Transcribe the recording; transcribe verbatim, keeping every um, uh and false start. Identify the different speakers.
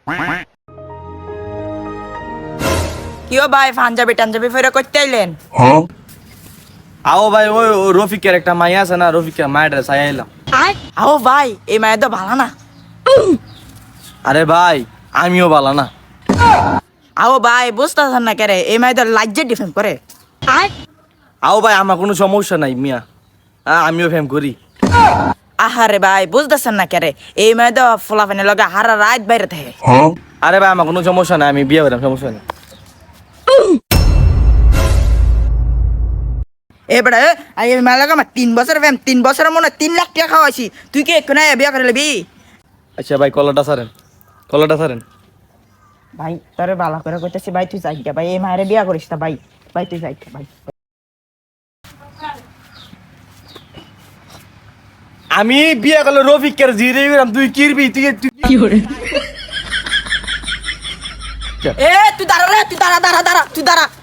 Speaker 1: কিও ভাই পাঞ্জাবি টাঞ্জাবি ফেরা করতে আইলেন?
Speaker 2: আও ভাই ওই রফিকের একটা মাই আছে না, রফিকের মায়ের চাই আইলাম।
Speaker 1: আও ভাই এই মায়ের তো ভালো না।
Speaker 2: আরে ভাই আমিও ভালো না।
Speaker 1: আও ভাই বুঝতেছেন না কেরে এই মায়ের তো লাজ্জা ডিফেন্ড করে।
Speaker 2: আও ভাই আমার কোনো সমস্যা নাই মিয়া, হ্যাঁ আমিও ফেম করি।
Speaker 1: আহারে ভাই বুঝতেছেন না কেরে এই মায়ের তো ফোলাফানের লগে হারা রাত বাইরে থাকে।
Speaker 2: আরে ভাই আমার কোনো সমস্যা নাই, আমি বিয়ে করলাম, সমস্যা নেই।
Speaker 1: এবারে এই মায়ের লগে আমার তিন বছর ফেম, তিন বছরের মনে হয় তিন লাখ টাকা খাওয়াইছি, তুই কি এক্ষুনি বিয়ে করে নিবি?
Speaker 2: আচ্ছা ভাই কলাটা সারেন, কলাটা সারেন।
Speaker 1: ভাই তোরে বালা করে কইতেছি ভাই তুই যাই ভাই, এই মায়ের বিয়ে করিস না ভাই, ভাই তুই যাই ভাই।
Speaker 2: আমি বিয়ে করলে রফিকের জিরে গেলাম, তুই কিরবি? তুই
Speaker 1: কি করে এ তুই দাঁড়া রে, তুই দাঁড়া দাঁড়া দাঁড়া তুই দাঁড়া।